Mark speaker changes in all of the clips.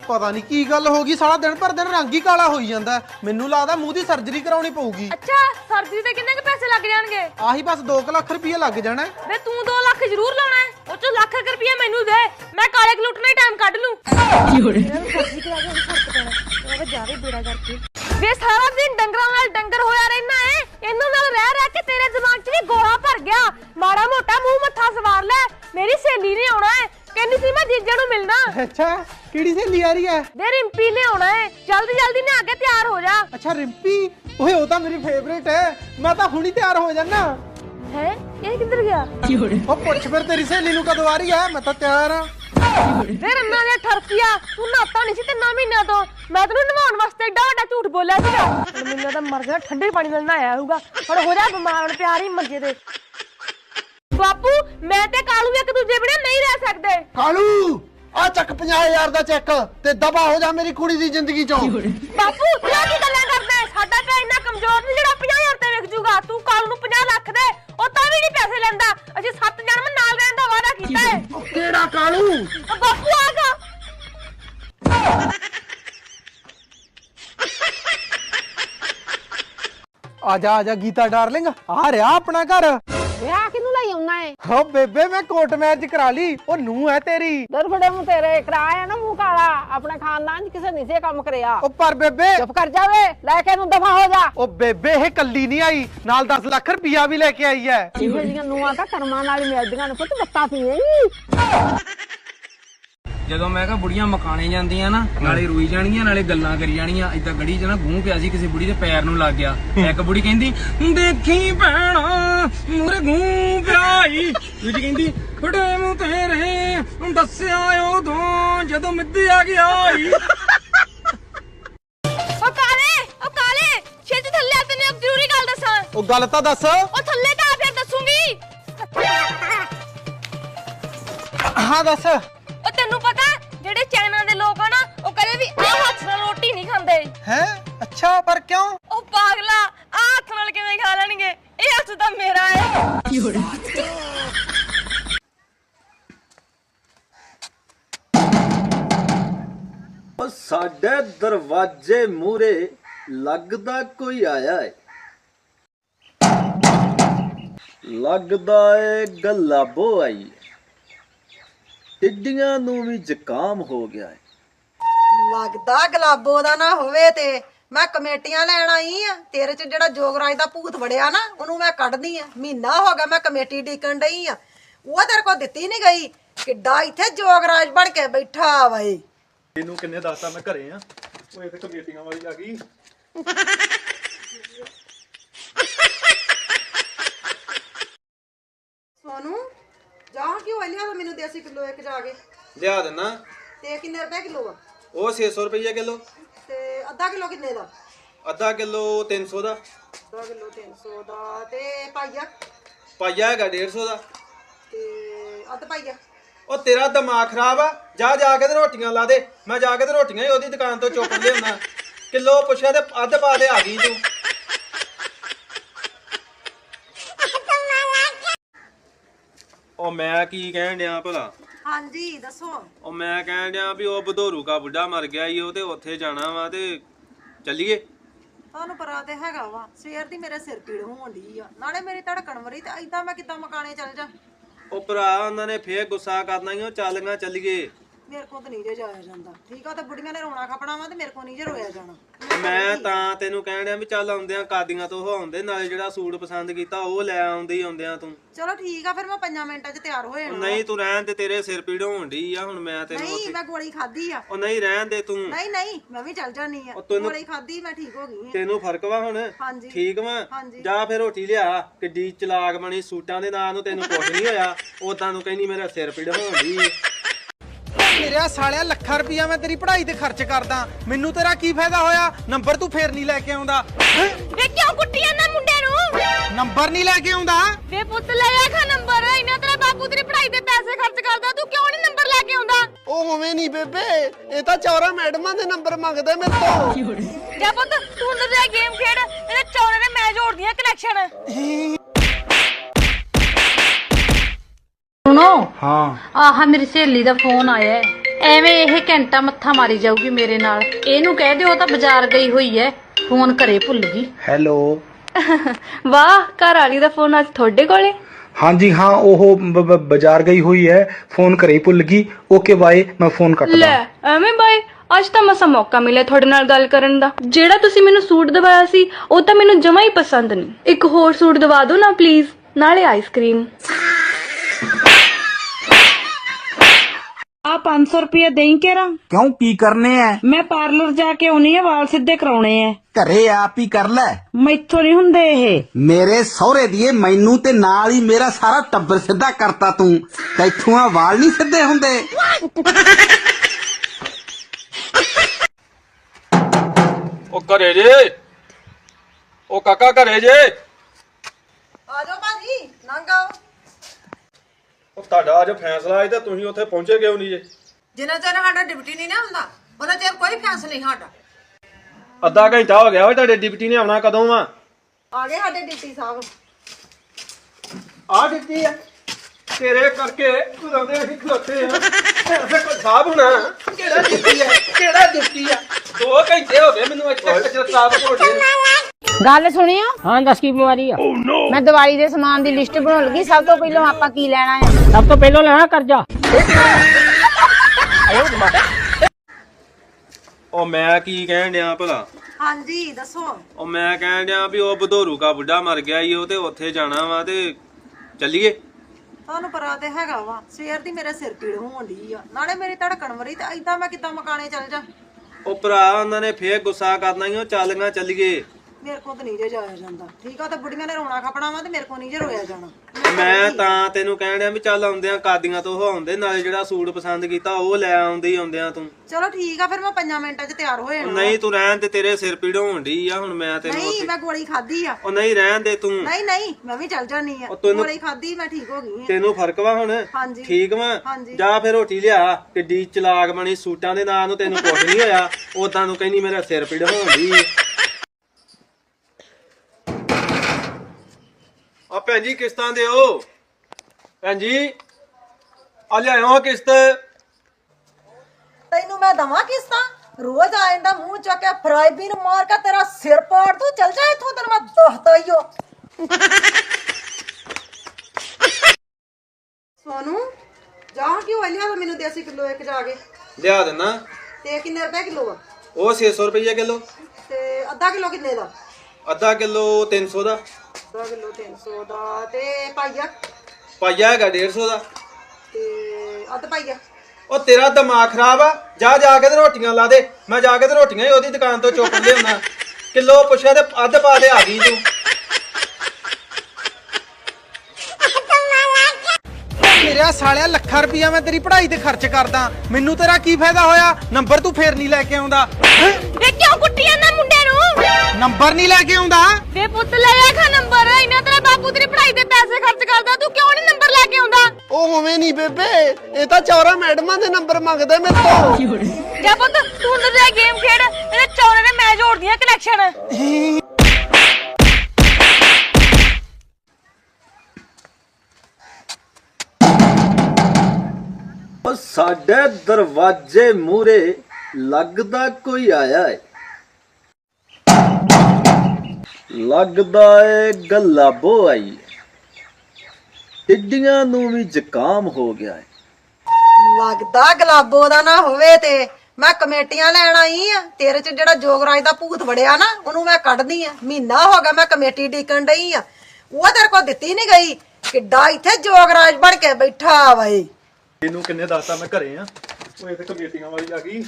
Speaker 1: ਪਤਾ ਨਹੀਂ ਕੀ ਗੱਲ ਹੋ ਗਈ, ਸਾਰਾ ਦਿਨ ਭਰ ਦਿਨ ਰੰਗ ਹੀ ਕਾਲਾ ਹੋਈ ਜਾਂਦਾ। ਮੈਨੂੰ ਲੱਗਦਾ ਮੂੰਹ ਦੀ ਸਰਜਰੀ ਕਰਾਉਣੀ ਪਊਗੀ।
Speaker 2: ਅੱਛਾ, ਸਰਜਰੀ ਤੇ ਕਿੰਨੇ ਕੁ ਪੈਸੇ ਲੱਗ ਜਾਣਗੇ?
Speaker 1: ਆਹੀ ਬਸ 2 ਲੱਖ ਰੁਪਏ ਲੱਗ ਜਾਣਾ।
Speaker 2: ਵੇ ਤੂੰ 2 ਲੱਖ ਜ਼ਰੂਰ ਲਾਉਣਾ ਹੈ, ਉਹ ਚੋਂ ਲੱਖ ਰੁਪਏ ਮੈਨੂੰ ਦੇ, ਮੈਂ ਕਾਲੇ ਗਲੂਟਨ ਹੀ ਟਾਈਮ ਕੱਢ ਲੂੰ। ਵੇ ਸਾਰਾ ਦਿਨ ਡੰਗਰਾਂ ਨਾਲ ਡੰਗਰ ਹੋਇਆ ਰਹਿਣਾ ਹੈ, ਇਹਨਾਂ ਨਾਲ ਰਹਿ ਰਹਿ ਕੇ ਤੇਰੇ ਦਿਮਾਗ 'ਚ ਵੀ ਗੋਹਾ ਭਰ ਗਿਆ। ਮਾੜਾ ਮੋਟਾ ਮੂੰਹ ਮੱਥਾ ਸਵਾਰ ਲੈ। ਮੇਰੀ ਸਹੇਲੀ ਨੇ ਆਉਣਾ ਹੈ, ਕਹਿੰਦੀ ਸੀ ਮੈਂ ਜੀਜਾ ਨੂੰ ਮਿਲਣਾ।
Speaker 1: ਅੱਛਾ, ਕਿਹੜੀ ਸਹੇਲੀ ਆ ਰਹੀ ਹੈ?
Speaker 2: ਵੇ ਰਿੰਪੀ ਨੇ ਆਉਣਾ ਹੈ, ਜਲਦੀ ਜਲਦੀ ਨਹਾ ਕੇ ਤਿਆਰ ਹੋ ਜਾ।
Speaker 1: ਅੱਛਾ ਰਿੰਪੀ, ਓਏ ਉਹ ਤਾਂ ਮੇਰੀ ਫੇਵਰੇਟ ਹੈ, ਮੈਂ ਤਾਂ ਹੁਣੀ ਤਿਆਰ ਹੋ ਜਾਣਾ।
Speaker 2: ਹੈ ਇਹ ਕਿੱਧਰ ਗਿਆ?
Speaker 1: ਉਹ ਪੁੱਛ ਫਿਰ ਤੇਰੀ ਸਹੇਲੀ ਨੂੰ ਕਦੋਂ ਆ ਰਹੀ ਹੈ, ਮੈਂ ਤਾਂ ਤਿਆਰ ਆ।
Speaker 2: ਵੇ ਰੰਨਾ ਨੇ ਠਰਕੀਆ, ਤੂੰ ਨਾਤਾ ਨਹੀਂ ਸੀ 3 ਮਹੀਨਿਆਂ ਤੋਂ। ਮੈਂ ਤੈਨੂੰ ਨਵਾਉਣ ਵਾਸਤੇ ਏਡਾ ਵੱਡਾ ਝੂਠ ਬੋਲਿਆ ਸੀਗਾ। ਮੈਨੂੰ ਤਾਂ ਮਰ ਗਿਆ, ਠੰਡੇ ਪਾਣੀ ਨਾਲ ਨਹਾਇਆ ਹੋਊਗਾ। ਹੁਣ ਹੋ ਜਾ ਬਿਮਾਰ, ਹੁਣ ਪਿਆਰ ਹੀ ਮੰਜੇ ਤੇ। ਬਾਪੂ ਮੈਂ ਤੇ ਕਾਲੂ ਇੱਕ ਦੂਜੇ ਬਿਨਾਂ ਨਹੀਂ ਰਹਿ ਸਕਦੇ।
Speaker 3: ਕਾਲੂ ਆ ਚੱਕ 50,000 ਦਾ ਚੈੱਕ ਤੇ ਦਬਾ ਹੋ ਜਾ ਮੇਰੀ ਕੁੜੀ ਦੀ ਜ਼ਿੰਦਗੀ ਚੋਂ।
Speaker 2: ਬਾਪੂ ਤੂੰ ਕੀ ਗੱਲਾਂ ਕਰਦਾ? ਸਾਡਾ ਪਿਆ ਇੰਨਾ ਕਮਜ਼ੋਰ ਨਹੀਂ ਜਿਹੜਾ 50,000 ਤੇ ਵਿਕ ਜੂਗਾ। ਤੂੰ ਕਾਲੂ ਨੂੰ 50 ਲੱਖ ਦੇ, ਉਹ ਤਾਂ ਵੀ ਨਹੀਂ ਪੈਸੇ ਲੈਂਦਾ। ਅਸੀਂ 7 ਜਨਮ ਨਾਲ ਰਹਿਣ ਦਾ ਵਾਅਦਾ ਕੀਤਾ ਹੈ।
Speaker 3: ਕਿਹੜਾ ਕਾਲੂ?
Speaker 2: ਬਾਪੂ ਆ ਜਾ।
Speaker 1: ਆ ਜਾ ਗੀਤਾ ਡਾਰਲਿੰਗ, ਆ ਰਿਹਾ ਆਪਣਾ ਘਰ।
Speaker 4: ਵਿਆਹ ਕਿਨੂੰ ਲਈ ਆਉਣਾ ਹੈ?
Speaker 1: ਹੋ ਬੇਬੇ, ਮੈਂ ਕੋਰਟ ਮੈਰਿਜ ਕਰਾ ਲਈ, ਉਹ ਨੂੰਹ ਹੈ ਤੇਰੀ।
Speaker 4: ਦਰ ਫੜੇ ਮੂੰ ਤੇਰੇ ਕਰਾਇਆ ਨਾ ਮੂੰਹ ਕਾਲਾ। ਆਪਣੇ ਖਾਨਦਾਨ 'ਚ ਕਿਸੇ ਨੇ ਸੇ ਕੰਮ ਕਰਿਆ।
Speaker 1: ਉਹ ਪਰ ਬੇਬੇ
Speaker 4: ਚੁੱਪ ਕਰ ਜਾਵੇ, ਲੈ ਕੇ ਇਹਨੂੰ ਦਫਾ ਹੋ ਜਾ।
Speaker 1: ਉਹ ਬੇਬੇ ਇਹ ਕੱਲੀ ਨਹੀਂ ਆਈ, ਨਾਲ 10 ਲੱਖ ਰੁਪਇਆ ਵੀ ਲੈ ਕੇ ਆਈ ਹੈ।
Speaker 4: ਇਹੋ ਜਿਹੀਆਂ ਨੂੰਹਾਂ ਤਾਂ ਕਰਮਾਂ ਨਾਲ ਹੀ ਮਿਲਦੀਆਂ ਨੇ ਪੁੱਤ, ਬੱਤਾ ਪੀਏਗੀ।
Speaker 5: ਜਦੋਂ ਮੈਂ ਕਿਹਾ ਬੁੜੀਆਂ ਮਕਾਣੇ ਜਾਂਦੀਆਂ ਨਾ, ਨਾਲੇ ਰੋਈ ਜਾਣੀਆਂ ਨਾਲੇ ਗੱਲਾਂ ਕਰੀ ਜਾਣੀਆਂ। ਏਦਾਂ ਗੜੀ 'ਚ ਨਾ ਗੂੰ ਪਿਆ ਸੀ, ਕਿਸੇ ਬੁੜੀ ਦੇ ਪੈਰ ਨੂੰ ਲੱਗ ਗਿਆ। ਇੱਕ ਬੁੜੀ ਕਹਿੰਦੀ ਦੇਖੀ ਭੈਣਾ ਮੂਰੇ ਗੂੰ ਪਿਆਈ, ਦੂਜੀ ਕਹਿੰਦੀ ਫੜੇ ਮੂੰ ਤੇਰੇ ਦੱਸਿਆ ਉਦੋਂ ਜਦੋਂ ਮਿੱਧਿਆ ਗਿਆ।
Speaker 2: ਉਹ ਕਾਲੇ ਛੇਤੀ ਥੱਲੇ ਆ, ਤੈਨੂੰ ਇੱਕ ਜ਼ਰੂਰੀ ਗੱਲ ਦੱਸਾਂ।
Speaker 1: ਉਹ ਗੱਲ ਤਾਂ ਦੱਸ।
Speaker 2: ਉਹ ਥੱਲੇ ਤਾਂ ਆ, ਫਿਰ ਦੱਸੂਗੀ।
Speaker 1: ਹਾਂ ਦੱਸ।
Speaker 2: ਉਹ ਤੈਨੂੰ ਪਤਾ ਜਿਹੜੇ ਚਾਈਨਾ ਦੇ ਲੋਕ ਆ ਨਾ, ਉਹ ਕਦੇ ਵੀ ਆਹ ਹੱਥ ਨਾਲ ਰੋਟੀ ਨਹੀਂ ਖਾਂਦੇ।
Speaker 1: ਹੈ? ਅੱਛਾ, ਪਰ ਕਿਉਂ?
Speaker 2: ਉਹ ਪਾਗਲਾ, ਆਹ ਹੱਥ ਨਾਲ ਕਿਵੇਂ ਖਾ ਲੈਣਗੇ? ਇਹ ਹੱਥ ਤਾਂ ਮੇਰਾ ਹੈ।
Speaker 6: ਉਹ ਸਾਡੇ ਦਰਵਾਜ਼ੇ ਮੂਰੇ ਲੱਗਦਾ ਕੋਈ ਆਇਆ ਏ। ਲੱਗਦਾ ਏ ਗਲਾਬੋ ਆਈ। ਟਿੱਡੀਆਂ ਨੂੰ ਵੀ ਜ਼ੁਕਾਮ ਹੋ ਗਿਆ ਏ।
Speaker 7: ਲੱਗਦਾ ਗਲਾਬੋ ਦਾ ਨਾ ਹੋਵੇ ਤੇ ਮੈਂ ਕਮੇਟੀਆਂ ਲੈਣ ਆਈ ਆ। ਤੇਰੇ ਚ ਜਿਹੜਾ ਜੋਗਰਾਜ ਦਾ ਭੂਤ ਵੜਿਆ ਨਾ, ਉਹਨੂੰ ਮੈਂ ਕੱਢਦੀ ਆ। ਮਹੀਨਾ ਹੋ ਗਿਆ ਮੈਂ ਕਮੇਟੀ ਡੀਕਣ ਡਈ ਆ, ਉਹ ਤੇਰੇ ਕੋਲ ਦਿੱਤੀ ਨਹੀਂ ਗਈ। ਕਿੱਡਾ ਇੱਥੇ ਜੋਗਰਾਜ ਬਣ ਕੇ ਬੈਠਾ ਵਾਏ।
Speaker 8: ਇਹਨੂੰ ਕਿੰਨੇ ਦੱਸਤਾ ਮੈਂ ਘਰੇ ਆ, ਉਹ ਇਹ ਤੇ ਕਮੇਟੀਆਂ ਵਾਲੀ ਆ ਗਈ।
Speaker 7: ਸੋਨੂੰ ਜਾ ਕਿਉਂ ਲਿਆ ਤਾਂ ਮੈਨੂੰ ਦੇਸੀ ਕਿਲੋ ਇੱਕ ਜਾ ਕੇ
Speaker 5: ਲਿਆ ਦਿੰਦਾ।
Speaker 7: ਤੇ ਕਿੰਨੇ ਰੁਪਏ ਕਿਲੋ ਆ?
Speaker 5: ਉਹ 600 ਰੁਪਏ ਕਿਲੋ।
Speaker 7: ਤੇ ਅੱਧਾ ਕਿਲੋ ਕਿੰਨੇ ਦਾ?
Speaker 5: ਅੱਧਾ ਕਿਲੋ 300 ਦਾ।
Speaker 7: ਅੱਧਾ ਕਿਲੋ 300 ਦਾ। ਤੇ ਪਾਈਆ?
Speaker 5: ਪਾਈਆ ਹੈਗਾ 150 ਦਾ।
Speaker 7: ਤੇ ਅੱਧ ਪਾਈਆ?
Speaker 5: ਉਹ ਤੇਰਾ ਦਿਮਾਗ ਖਰਾਬ ਆ, ਜਾ ਕੇ ਤੇ ਰੋਟੀਆਂ ਲਾ ਦੇ। ਮੈਂ ਜਾ ਕੇ ਤੇ ਰੋਟੀਆਂ ਹੀ ਉਹਦੀ ਦੁਕਾਨ ਤੋਂ ਚੁੱਕ ਲਿਆਉਣਾ। ਕਿਲੋ ਪੁੱਛਿਆ ਤੇ ਅੱਧ ਪਾ ਦੇ, ਆ ਗਈ ਤੂੰ। ਉਹ ਮੈਂ ਕੀ ਕਹਿਣ ਡਿਆ ਭਲਾ?
Speaker 7: ਹਾਂਜੀ ਦੱਸੋ।
Speaker 5: ਉਹ ਮੈਂ ਕਹਿਣ ਡਿਆ ਵੀ ਉਹ ਬਧੋਰੂ ਕਾ ਬੁੱਢਾ ਮਰ ਗਿਆ ਈ, ਉਹ ਤੇ ਉੱਥੇ ਜਾਣਾ ਵਾ ਤੇ ਚੱਲੀਏ।
Speaker 7: ਤੁਹਾਨੂੰ ਪਤਾ ਤੇ ਹੈਗਾ ਵਾ, ਸਵੇਰ ਦੀ ਮੇਰੇ ਸਿਰ ਪੀੜ ਹੋਣ ਡਈ ਆ, ਨਾਲੇ ਮੇਰੀ ਧੜਕਣ ਵਰੀ। ਤੇ ਏਦਾਂ ਮੈਂ ਕਿੱਦਾਂ ਮਕਾਣੇ ਚੱਲ ਜਾ?
Speaker 5: ਉਹ ਭਰਾ ਉਹਨਾਂ ਨੇ ਫੇਰ ਗੁੱਸਾ ਕਰਨਾ ਈ, ਉਹ ਚੱਲੀਆਂ ਚੱਲੀਏ।
Speaker 7: ਮੇਰੇ ਕੋਲ ਤਾਂ ਨਹੀਂ ਜੇ ਜਾਇਆ ਜਾਂਦਾ। ਠੀਕ ਆ, ਤੇ ਬੁੜੀਆਂ ਨੇ ਰੋਣਾ ਖਪਣਾ ਵਾ, ਤੇ ਮੇਰੇ ਕੋਲ ਨਹੀਂ ਜੇ ਰੋਇਆ ਜਾਣਾ।
Speaker 5: ਮੈਂ ਤਾਂ ਤੈਨੂੰ ਕਹਿਣ ਡਿਆ ਵੀ ਚੱਲ ਆਉਂਦਿਆਂ ਕਾਦੀਆਂ ਤੋਂ ਆਉਂਦੇ, ਨਾਲੇ ਜਿਹੜਾ ਸੂਟ ਪਸੰਦ ਕੀਤਾ ਉਹ ਲੈ ਆਉਂਦੀ ਆਉਂਦਿਆਂ ਤੂੰ।
Speaker 7: ਚਲੋ ਠੀਕ ਆ, ਫਿਰ ਮੈਂ 5 ਮਿੰਟਾਂ 'ਚ ਤਿਆਰ ਹੋ ਜਾਣਾ।
Speaker 5: ਨਹੀਂ ਤੂੰ ਰਹਿਣ ਦੇ, ਤੇਰੇ ਸਿਰ ਪੀੜ ਹੋਣ ਡਈ ਆ ਹੁਣ। ਮੈਂ ਤੈਨੂੰ
Speaker 7: ਨਹੀਂ, ਮੈਂ ਗੋਲੀ ਖਾਧੀ ਆ।
Speaker 5: ਉਹ ਨਹੀਂ ਰਹਿਣ ਦੇ ਤੂੰ।
Speaker 7: ਨਹੀਂ ਮੈਂ ਵੀ ਚੱਲ ਜਾਨੀ ਆ। ਗੋਲੀ ਖਾਧੀ, ਮੈਂ ਠੀਕ ਹੋ ਗਈ ਆ।
Speaker 5: ਤੈਨੂੰ ਫਰਕ ਵਾ ਹੁਣ?
Speaker 7: ਹਾਂਜੀ
Speaker 5: ਠੀਕ ਵਾ।
Speaker 7: ਹਾਂਜੀ।
Speaker 5: ਜਾ ਫਿਰ ਰੋਟੀ ਲਿਆ। ਕਿੱਡੀ ਚਲਾਕ ਬਣੀ, ਸੂਟਾਂ ਦੇ ਨਾਂ ਨੂੰ ਤੈਨੂੰ ਕੁਝ ਨਹੀਂ ਹੋਇਆ, ਉਦਾਂ ਨੂੰ ਕਹਿੰਦੀ ਮੇਰਾ ਸਿਰ ਪੀੜ ਹੋਣ ਡਈ।
Speaker 1: ਮੇਰਾ ਸਾਲਿਆ, ਲੱਖਾਂ ਰੁਪਇਆ ਮੈਂ ਤੇਰੀ ਪੜ੍ਹਾਈ ਤੇ ਖਰਚ ਕਰਦਾ, ਮੈਨੂੰ ਤੇਰਾ ਕੀ ਫਾਇਦਾ ਹੋਇਆ? ਨੰਬਰ ਤੂੰ ਫੇਰ ਨਹੀਂ ਲੈ ਕੇ ਆਉਂਦਾ।
Speaker 2: ਵੇ ਕਿਉਂ ਕੁੱਟੀ ਜਾਂਦਾ ਮੁੰਡੇ ਨੂੰ?
Speaker 1: ਨੰਬਰ ਨਹੀਂ ਲੈ ਕੇ ਆਉਂਦਾ?
Speaker 2: ਵੇ ਪੁੱਤ ਲੈ ਆ ਖਾ ਨੰਬਰ। ਇਹਨਾਂ ਤੇਰਾ ਬਾਪੂ ਤੇਰੀ ਪੜ੍ਹਾਈ ਤੇ ਪੈਸੇ ਖਰਚ ਕਰਦਾ, ਤੂੰ ਕਿਉਂ ਨਹੀਂ ਨੰਬਰ ਲੈ ਕੇ ਆਉਂਦਾ?
Speaker 3: ਉਹ ਉਵੇਂ ਨਹੀਂ ਬੇਬੇ, ਇਹ ਤਾਂ ਚੌਰਾ ਮੈਡਮਾਂ ਦੇ ਨੰਬਰ ਮੰਗਦੇ ਮੇਰੇ ਤੋਂ।
Speaker 2: ਜਾ ਪੁੱਤ ਤੂੰ ਅੰਦਰ ਜਾ ਗੇਮ ਖੇਡ, ਇਹਨੇ ਚੌਰੇ ਨੇ ਮੈਚ ਹੋੜਦੀਆਂ ਕਨੈਕਸ਼ਨ।
Speaker 9: सुनो।
Speaker 8: हाँ।
Speaker 9: आहा मेरी सहेली का फोन आया है, ਐਵੇਂ ਇਹ ਘੰਟਾ ਮੱਥਾ ਮਾਰੀ ਜਾਊਗੀ ਮੇਰੇ ਨਾਲ। ਇਹਨੂੰ ਕਹਿ ਦਿਓ ਤਾਂ ਬਾਜ਼ਾਰ ਗਈ ਹੋਈ ਐ, ਫੋਨ ਘਰੇ ਭੁੱਲ ਗਈ।
Speaker 10: ਹੈਲੋ।
Speaker 9: ਵਾਹ, ਘਰ ਵਾਲੀ ਦਾ ਫੋਨ ਅੱਜ ਤੁਹਾਡੇ ਕੋਲੇ?
Speaker 10: ਹਾਂਜੀ ਹਾਂ, ਉਹ ਬਾਜ਼ਾਰ ਗਈ ਹੋਈ ਹੈ, ਫੋਨ ਘਰੇ ਹੀ ਭੁੱਲ ਗਈ। ਓਕੇ ਬਾਏ, ਮੈਂ ਫੋਨ ਕੱਟਦਾ।
Speaker 9: ਲੈ ਐਵੇਂ ਬਾਏ, ਅੱਜ ਤਾਂ ਮਸਾ ਮੌਕਾ ਮਿਲਿਆ ਤੁਹਾਡੇ ਨਾਲ ਗੱਲ ਕਰਨ ਦਾ। ਜਿਹੜਾ ਤੁਸੀਂ ਮੈਨੂੰ ਸੂਟ ਦਵਾਇਆ ਸੀ ਉਹ ਤਾਂ ਮੈਨੂੰ ਜਮਾ ਹੀ ਪਸੰਦ ਨਹੀਂ। ਇੱਕ ਹੋਰ ਸੂਟ ਦਵਾ ਦਿਓ ਨਾ ਪਲੀਜ਼, ਨਾਲੇ ਆਈਸਕ੍ਰੀਮ।
Speaker 11: ਆ 500 ਰੁਪਏ ਦੇਈ ਕੇਰਾ।
Speaker 10: ਕਿਉਂ, ਕੀ ਕਰਨੇ ਆ?
Speaker 11: ਮੈਂ ਪਾਰਲਰ ਜਾ ਕੇ ਆਉਣੀ ਆ, ਵਾਲ ਸਿੱਧੇ ਕਰਾਉਣੇ ਆ।
Speaker 10: ਘਰੇ ਆਪ ਹੀ ਕਰ ਲੈ,
Speaker 11: ਮੈਥੋਂ ਨਹੀਂ ਹੁੰਦੇ ਇਹ।
Speaker 10: ਮੇਰੇ ਸਹੁਰੇ ਦੀਏ ਮੈਨੂੰ ਤੇ ਨਾਲ ਹੀ ਮੇਰਾ ਸਾਰਾ ਟੱਬਰ ਸਿੱਧਾ ਕਰਤਾ ਤੂੰ। ਤੈਥੋਂ ਆ ਵਾਲ ਨਹੀਂ ਸਿੱਧੇ ਹੁੰਦੇ।
Speaker 8: ਉਹ ਘਰੇ ਜੇ, ਉਹ ਕਾਕਾ ਘਰੇ ਜੇ।
Speaker 7: ਆ ਜਾਓ ਭਾਜੀ, ਲੰਘ ਆਓ।
Speaker 8: ਉਹ ਤੁਹਾਡਾ ਅੱਜ ਫੈਸਲਾ ਹੈ ਤਾਂ ਤੁਸੀਂ ਉੱਥੇ ਪਹੁੰਚੇ ਕਿਉਂ ਨਹੀਂ ਜੇ?
Speaker 7: ਜਿੰਨਾ ਚਿਰ ਸਾਡਾ ਡਿਪਟੀ ਨਹੀਂ ਨਾ ਹੁੰਦਾ ਉਹਨਾਂ ਚਿਰ ਕੋਈ ਫੈਸਲਾ ਨਹੀਂ ਸਾਡਾ।
Speaker 8: ਅੱਧਾ ਘੰਟਾ ਹੋ ਗਿਆ ਓਏ, ਤੁਹਾਡੇ ਡਿਪਟੀ ਨੇ ਆਉਣਾ ਕਦੋਂ ਵਾ?
Speaker 7: ਆ ਗਏ ਸਾਡੇ ਡਿਪਟੀ ਸਾਹਿਬ।
Speaker 8: ਆ ਡਿਪਟੀ ਆ ਤੇਰੇ ਕਰਕੇ ਖੁਦਾਉਂਦੇ ਅਸੀਂ ਖਲੋਤੇ ਆ। ਐਸੇ ਕੋਈ ਸਾਹਬ ਹੋਣਾ ਕਿਹੜਾ ਡਿਪਟੀ ਆ, ਕਿਹੜਾ ਡਿਪਟੀ ਆ? 2 ਘੰਟੇ ਹੋ ਗਏ ਮੈਨੂੰ ਇੱਥੇ ਕਚਰ ਸਾਹਬ ਘੋੜੇ।
Speaker 4: ਗੱਲ ਸੁਣਿਓ। ਹਾਂ ਦੱਸ ਕੀ ਬਿਮਾਰੀ ਆ? ਮੈਂ ਦੀਵਾਲੀ ਦੇ ਸਮਾਨ ਦੀ ਲਿਸਟ ਬਣਾਉਣ ਲੱਗੀ। ਸਭ ਤੋਂ ਪਹਿਲਾਂ ਆਪਾਂ ਕੀ ਲੈਣਾ ਹੈ? ਸਭ ਤੋਂ ਪਹਿਲਾਂ ਲੈਣਾ ਕਰਜ਼ਾ।
Speaker 8: ਉਹ ਮੈਂ ਕੀ ਕਹਿਣ ਡਿਆ ਭਲਾ?
Speaker 7: ਹਾਂਜੀ ਦੱਸੋ।
Speaker 8: ਉਹ ਮੈਂ ਕਹਿਣ ਡਿਆ ਵੀ ਉਹ ਬਧੋਰੂ ਕਾ ਬੁੱਢਾ ਮਰ ਗਿਆ ਈ, ਉਹ ਤੇ ਉੱਥੇ ਜਾਣਾ ਵਾ ਤੇ ਚੱਲੀਏ।
Speaker 7: ਤੁਹਾਨੂੰ ਪਤਾ ਤੇ ਹੈਗਾ ਵਾ, ਸਵੇਰ ਦੀ ਮੇਰੇ ਸਿਰ ਪੀੜ ਹੋਣ ਡਈ ਆ, ਨਾਲੇ ਮੇਰੀ ਧੜਕਣ ਵਰੀ ਤੇ ਏਦਾਂ ਮੈਂ ਕਿੱਦਾਂ ਮਕਾਨੇ ਚੱਲ ਜਾ।
Speaker 8: ਉਹ ਭਰਾ ਉਹਨਾਂ ਨੇ ਫੇਰ ਗੁੱਸਾ ਕਰਨਾ ਈ, ਉਹ ਚੱਲੀਆਂ ਚੱਲੀਏ।
Speaker 7: ਮੇਰੇ ਕੋਲ ਤਾਂ ਨਹੀਂ ਜੇ ਜਾਇਆ ਜਾਂਦਾ। ਠੀਕ ਆ, ਤੇ ਬੁੱਢੀਆਂ ਨੇ ਰੋਣਾ ਖਪਣਾ ਵਾ ਤੇ ਮੇਰੇ ਕੋਲ ਨਹੀਂ ਜੇ ਰੋਇਆ ਜਾਣਾ।
Speaker 8: ਮੈਂ ਤਾਂ ਤੈਨੂੰ ਕਹਿਣ ਡਿਆ ਵੀ ਚੱਲ ਆਉਂਦਿਆਂ ਕਾਦੀਆਂ ਤੋਂ ਹੋ ਆਉਂਦੇ, ਨਾਲੇ ਜਿਹੜਾ ਸੂਟ ਪਸੰਦ ਕੀਤਾ ਉਹ ਲੈ ਆਉਂਦੀ ਆਉਂਦਿਆਂ ਤੂੰ।
Speaker 7: ਚਲੋ ਠੀਕ ਆ, ਫਿਰ ਮੈਂ 5 ਮਿੰਟਾਂ 'ਚ ਤਿਆਰ ਹੋ ਜਾਣਾ।
Speaker 8: ਨਹੀਂ ਤੂੰ ਰਹਿਣ ਤੇ, ਤੇਰੇ ਸਿਰ ਪੀੜ ਹੋਣ ਡਈ ਆ ਹੁਣ। ਮੈਂ ਤੈਨੂੰ
Speaker 7: ਨਹੀਂ, ਮੈਂ ਗੋਲੀ ਖਾਧੀ ਆ।
Speaker 8: ਉਹ ਨਹੀਂ ਰਹਿਣ ਦੇ ਤੂੰ।
Speaker 7: ਨਹੀਂ ਨਹੀਂ, ਮੈਂ ਵੀ ਚੱਲ ਜਾਣੀ ਆ। ਗੋਲੀ ਖਾਧੀ, ਮੈਂ ਠੀਕ ਹੋ ਗਈ ਆ।
Speaker 8: ਤੈਨੂੰ ਫਰਕ ਵਾ ਹੁਣ?
Speaker 7: ਹਾਂਜੀ
Speaker 8: ਠੀਕ ਵਾ।
Speaker 7: ਹਾਂਜੀ।
Speaker 8: ਜਾ ਫਿਰ ਰੋਟੀ ਲਿਆ। ਕਿੱਡੀ ਚਲਾਕ ਬਣੀ ਸੂਟਾਂ ਦੇ ਨਾਂ ਨੂੰ, ਤੈਨੂੰ ਕੁਝ ਨਹੀਂ ਹੋਇਆ। ਉਦਾਂ ਨੂੰ ਕਹਿੰਦੀ ਮੇਰਾ ਸਿਰ ਪੀੜ ਹੋਣ ਡਈ। ਆ ਭੈਣ ਜੀ ਕਿਸ਼ਤਾਂ ਦਿਓ। ਭੈਣ ਜੀ ਆ ਲਿਆਓ ਕਿਸ਼ਤ।
Speaker 7: ਤੈਨੂੰ ਮੈਂ ਦਵਾਂ ਕਿਸ਼ਤਾਂ? ਰੋਜ਼ ਆ ਜਾਂਦਾ ਮੂੰਹ ਚੱਕ ਕੇ ਫਰਾਈਬੀਨ ਮਾਰ ਕੇ ਤੇਰਾ ਸਿਰ ਪਾੜ ਦੂੰ। ਚੱਲ ਜਾ ਇੱਥੋਂ, ਤੈਨੂੰ ਮੈਂ ਦੱਸਦਾ ਹੀ ਹੋ। ਸੋਨੂ ਜਾ ਕਿਉਂ ਲਿਆ ਤਾਂ ਮੈਨੂੰ ਦੇਸੀ ਕਿਲੋ ਇੱਕ ਜਾ ਕੇ
Speaker 8: ਲਿਆ ਦੇਣਾ।
Speaker 7: ਤੇ ਕਿੰਨੇ ਰੁਪਏ ਕਿਲੋ ਆ?
Speaker 8: ਉਹ 600 ਰੁਪਏ ਕਿਲੋ।
Speaker 7: ਤੇ ਅੱਧਾ ਕਿਲੋ ਕਿੰਨੇ ਦਾ?
Speaker 8: ਅੱਧਾ ਕਿਲੋ 300 ਦਾ।
Speaker 7: ਅੱਧਾ ਕਿਲੋ 300 ਦਾ। ਤੇ ਪਾਈਆ?
Speaker 8: ਪਾਈਆ ਹੈਗਾ 150 ਦਾ।
Speaker 7: ਤੇ ਅੱਧ ਪਾਈਆ?
Speaker 8: ਉਹ ਤੇਰਾ ਦਿਮਾਗ ਖਰਾਬ ਆ। ਜਾ ਕੇ ਤੇ ਰੋਟੀਆਂ ਲਾ ਦੇ। ਮੈਂ ਜਾ ਕੇ ਤੇ ਰੋਟੀਆਂ ਹੀ ਉਹਦੀ ਦੁਕਾਨ ਤੋਂ ਚੁੱਕ ਲਿਆਉਣਾ। ਕਿਲੋ ਪੁੱਛਿਆ ਤੇ ਅੱਧ ਪਾ ਦੇ, ਆ ਗਈ ਤੂੰ।
Speaker 1: ਮੇਰਿਆ ਸਾਲਿਆ, ਲੱਖਾਂ ਰੁਪਈਆ ਮੈਂ ਤੇਰੀ ਪੜ੍ਹਾਈ ਤੇ ਖਰਚ ਕਰਦਾ, ਮੈਨੂੰ ਤੇਰਾ ਕੀ ਫਾਇਦਾ ਹੋਇਆ? ਨੰਬਰ ਤੂੰ ਫੇਰ ਨਹੀਂ ਲੈ ਕੇ ਆਉਂਦਾ।
Speaker 2: ਵੇ ਕਿਉਂ ਕੁੱਟੀ ਜਾਂਦਾ ਮੁੰਡੇ ਨੂੰ?
Speaker 1: ਨੰਬਰ ਨਹੀਂ ਲੈ ਕੇ ਆਉਂਦਾ?
Speaker 2: ਵੇ ਪੁੱਤ ਲੈ ਆ ਖਾ ਨੰਬਰ। ਇਹਨਾਂ ਤੇਰਾ ਬਾਪੂ ਤੇਰੀ ਪੜ੍ਹਾਈ ਤੇ ਪੈਸੇ ਖਰਚ ਕਰਦਾ, ਤੂੰ ਕਿਉਂ ਨਹੀਂ ਨੰਬਰ ਲੈ ਕੇ ਆਉਂਦਾ?
Speaker 3: ਉਹ ਉਵੇਂ ਨਹੀਂ ਬੇਬੇ, ਇਹ ਤਾਂ ਚੌਰਾ ਮੈਡਮਾਂ ਦੇ ਨੰਬਰ ਮੰਗਦੇ ਮੇਰੇ ਤੋਂ।
Speaker 2: ਜਾ ਪੁੱਤ ਤੂੰ ਅੰਦਰ ਜਾ ਗੇਮ ਖੇਡ। ਇਹਦੇ ਚੌਰੇ ਨੇ ਮੈਚ ਹੋੜਦੀਆਂ ਕਲੈਕਸ਼ਨ।
Speaker 6: ਉਹ ਸਾਡੇ ਦਰਵਾਜ਼ੇ ਮੂਰੇ ਲੱਗਦਾ ਕੋਈ ਆਇਆ ਏ। ਲੱਗਦਾ ਏ ਗੱਲਾਬੋ ਆਈ। ਟਿੱਡੀਆਂ ਨੂੰ ਵੀ ਜ਼ੁਕਾਮ ਹੋ ਗਿਆ ਏ।
Speaker 7: ਲੱਗਦਾ ਗਲਾਬੋ ਦਾ ਨਾ ਹੋਵੇ ਤੇ ਮੈਂ ਕਮੇਟੀਆਂ ਲੈਣ ਆਈ ਆ। ਤੇਰੇ 'ਚ ਜਿਹੜਾ ਜੋਗਰਾਜ ਦਾ ਭੂਤ ਵੜਿਆ ਨਾ, ਉਹਨੂੰ ਮੈਂ ਕੱਢਦੀ ਆ। ਮਹੀਨਾ ਹੋ ਗਿਆ ਮੈਂ ਕਮੇਟੀ ਡੀਕਣ ਡਈ ਆ, ਉਹ ਤੇਰੇ ਕੋਲ ਦਿੱਤੀ ਨਹੀਂ ਗਈ। ਕਿੱਡਾ ਇੱਥੇ ਜੋਗਰਾਜ ਬਣ ਕੇ ਬੈਠਾ ਵਾ।
Speaker 8: ਇਹਨੂੰ ਕਿੰਨੇ ਦੱਸਤਾ ਮੈਂ ਘਰੇ ਆ। ਉਹ ਇੱਥੇ ਕਮੇਟੀਆਂ ਵਾਲੀ ਆ ਗਈ।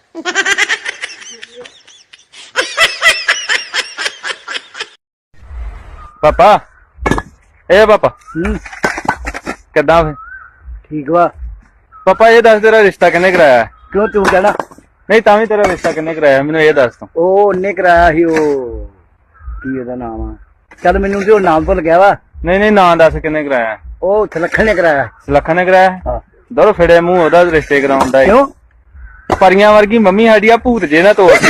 Speaker 5: ਪਾਪਾ ਇਹ ਪਾਪਾ ਕਿੱਦਾਂ ਫੇ?
Speaker 10: ਠੀਕ ਵਾ।
Speaker 5: ਪਾਪਾ ਇਹ ਦੱਸ, ਤੇਰਾ ਰਿਸ਼ਤਾ ਕਿੰਨੇ ਕਰਾਇਆ?
Speaker 10: ਕਿਉਂ, ਤੂੰ ਕਹਿਣਾ?
Speaker 5: ਨਹੀਂ ਤਾਂ ਵੀ ਤੇਰਾ ਰਿਸ਼ਤਾ ਕਿੰਨੇ ਕਰਾਇਆ, ਮੈਨੂੰ ਇਹ ਦੱਸ ਤੂੰ।
Speaker 10: ਉਹ ਉਹਨੇ ਕਰਾਇਆ ਸੀ, ਉਹ ਕੀ ਉਹਦਾ ਨਾਮ ਆ? ਚੱਲ ਮੈਨੂੰ ਤੇ ਉਹ ਨਾਮ ਭੁੱਲ ਗਿਆ ਵਾ।
Speaker 5: ਨਹੀਂ ਨਾਂ ਦੱਸ ਕਿੰਨੇ ਕਰਾਇਆ?
Speaker 10: ਉਹ ਸੁਲੱਖਣ ਨੇ ਕਰਾਇਆ।
Speaker 5: ਸੁਲੱਖਣ ਨੇ ਕਰਾਇਆ?
Speaker 10: ਹਾਂ।
Speaker 5: ਦਰ ਫੜੇ ਮੂੰਹ ਉਹਦਾ ਰਿਸ਼ਤੇ ਕਰਾਉਣ ਦਾ।
Speaker 10: ਕਿਉਂ?
Speaker 5: ਪਰੀਆਂ ਵਰਗੀ ਮੰਮੀ ਸਾਡੀ ਆ ਭੂਤ ਜੇ ਨਾ ਤੋੜਦੀ।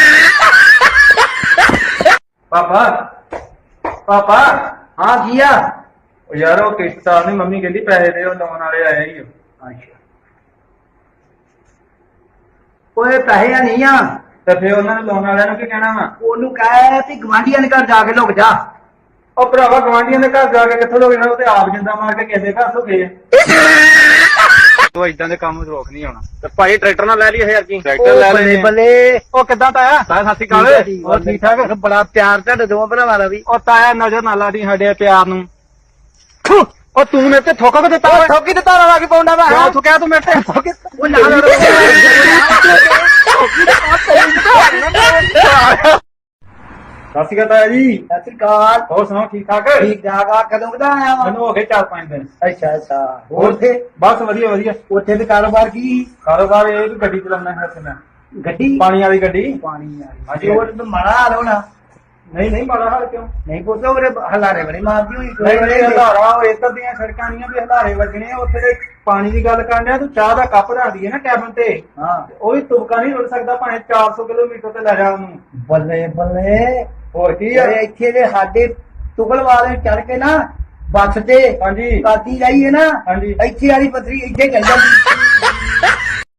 Speaker 5: ਪਾਪਾ
Speaker 10: ਹਾਂ ਕੀ ਆ?
Speaker 5: ਉਹ ਯਾਰ ਉਹ ਕਿਸ਼ਤਾਂ ਨਹੀਂ, ਮੰਮੀ ਕਹਿੰਦੀ ਪੈਸੇ ਦੇ, ਉਹ ਲਾਉਣ ਵਾਲੇ ਆਏ ਹੀ।
Speaker 10: ਅੱਛਾ
Speaker 3: ਓਏ ਪੈਸੇ ਨਹੀਂ ਆ
Speaker 8: ਤੇ ਫੇਰ ਉਹਨਾਂ ਨੂੰ ਲੋਨ ਵਾਲਿਆਂ ਨੂੰ ਕੀ ਕਹਿਣਾ ਵਾ?
Speaker 3: ਉਹਨੂੰ ਕਹਿ ਵੀ ਗਵਾਂਢੀਆਂ ਦੇ ਘਰ ਜਾ ਕੇ ਲੁਕ ਜਾ।
Speaker 8: ਉਹ ਭਰਾਵਾ ਗਵਾਂਢੀਆਂ ਦੇ ਘਰ ਜਾ ਕੇ ਕਿੱਥੋਂ ਲੋਕ ਇਹਨਾਂ ਉਹ ਤੇ ਆਪ ਜਿੰਦਾ ਮਾਰ ਕੇ ਕਿਸੇ ਦੇ ਘਰ ਤੋਂ ਗਏ। ਤੂੰ ਇਦਾਂ ਦੇ ਕੰਮ ਰੋਕ ਨਹੀਂ ਆਉਣਾ ਤੇ ਭਾਈ ਟਰੈਕਟਰ ਨਾਲ ਲੈ ਲਈ 1000 ਕੀ ਟਰੈਕਟਰ ਲੈ ਲਈ
Speaker 3: ਬੱਲੇ
Speaker 8: ਉਹ ਕਿੱਦਾਂ ਤਾਇਆ ਸਤਿ ਸ਼੍ਰੀ ਅਕਾਲ ਹੋਰ ਠੀਕ ਠਾਕ
Speaker 3: ਬੜਾ ਪਿਆਰ ਤੁਹਾਡੇ ਦੋਵਾਂ ਭਰਾਵਾਂ ਦਾ ਵੀ।
Speaker 8: ਉਹ ਤਾਇਆ ਨਜ਼ਰ ਨਾ ਲਾ ਦੀ ਸਾਡੇ ਪਿਆਰ ਨੂੰ ਉਹ ਤੂੰ ਮੇਰੇ ਤੇ ਥੋਕਾ ਕਿ ਦਿੱਤਾ ਓਏ
Speaker 3: ਠੋਕੀ ਤੇ ਤਾਰਾ ਲਾ ਕੇ ਪਾਉਂਦਾ ਵਾ
Speaker 8: ਕਿਉਂ ਥੁਕਿਆ ਤੂੰ ਮੇਰੇ ਤੇ ਥੋਕੇ
Speaker 3: ਉਹ ਨਾਲ
Speaker 8: ਸਤਿ ਸ਼੍ਰੀ ਅਕਾਲ ਤਾਇਆ ਜੀ
Speaker 3: ਸਤਿ ਸ੍ਰੀ ਅਕਾਲ।
Speaker 8: ਹੋਰ ਸੁਣਾਓ ਠੀਕ ਠਾਕ
Speaker 3: ਠੀਕ ਠਾਕ ਆ। ਕਦੋਂ ਕਦਾ ਆਇਆ ਵਾ?
Speaker 8: ਮੈਨੂੰ ਹੋ ਗਏ 4-5 ਦਿਨ
Speaker 3: ਅੱਛਾ ਅੱਛਾ। ਹੋਰ ਉੱਥੇ
Speaker 8: ਬਸ ਵਧੀਆ ਵਧੀਆ
Speaker 3: ਉੱਥੇ ਤੇ ਕਾਰੋਬਾਰ ਕੀ?
Speaker 8: ਕਾਰੋਬਾਰ ਇਹ ਵੀ ਗੱਡੀ ਚਲਾਉਣਾ ਹੈ ਤੇ ਮੈਂ
Speaker 3: ਗੱਡੀ
Speaker 8: ਪਾਣੀ ਵਾਲੀ ਗੱਡੀ
Speaker 3: ਪਾਣੀ ਵਾਲੀ।
Speaker 8: ਹਾਂਜੀ।
Speaker 3: ਹੋਰ ਤਾਂ ਮਾੜਾ ਹਾਲ ਹੋਣਾ।
Speaker 8: ਨਹੀਂ ਬੜਾ ਹਾਲ ਕਿਉਂ
Speaker 3: ਨਹੀਂ ਪੁੱਛੋ ਉਹਦੇ ਹਲਾਰੇ ਬੜੇ ਮਾਰਦੀ ਹੋਈ।
Speaker 8: ਨਹੀਂ ਹਲਾਰਾ ਉਹ ਇੱਧਰ ਦੀਆਂ ਸੜਕਾਂ ਨਹੀਂ ਵੀ ਹਲਾਰੇ ਵੱਜਣੇ ਆ ਉੱਥੇ ਦੇ ਪਾਣੀ ਦੀ ਗੱਲ ਕਰਨ ਡਿਆ ਤੂੰ ਚਾਹ ਦਾ ਕੱਪ ਰੱਖ ਦਈਏ ਨਾ ਕੈਬਨ ਤੇ
Speaker 3: ਹਾਂ
Speaker 8: ਉਹ ਵੀ ਤੁਬਕਾ ਨਹੀਂ ਰੁੜ ਸਕਦਾ ਭਾਵੇਂ 400 ਕਿਲੋਮੀਟਰ ਤੇ ਲੈ ਜਾ ਉਹਨੂੰ
Speaker 3: ਬੱਲੇ ਬੱਲੇ।
Speaker 8: ਹੋਰ ਕੀ ਆ
Speaker 3: ਇੱਥੇ ਦੇ ਸਾਡੇ ਤੁਗਲ ਵਾਲੇ ਚੜ ਕੇ ਨਾ ਬੱਸ ਤੇ
Speaker 8: ਹਾਂਜੀ
Speaker 3: ਕਾਤੀ ਜਾਈਏ ਨਾ
Speaker 8: ਹਾਂਜੀ
Speaker 3: ਇੱਥੇ ਵਾਲੀ ਪਥਰੀ ਇੱਥੇ ਚੱਲ ਜਾਂਦੀ।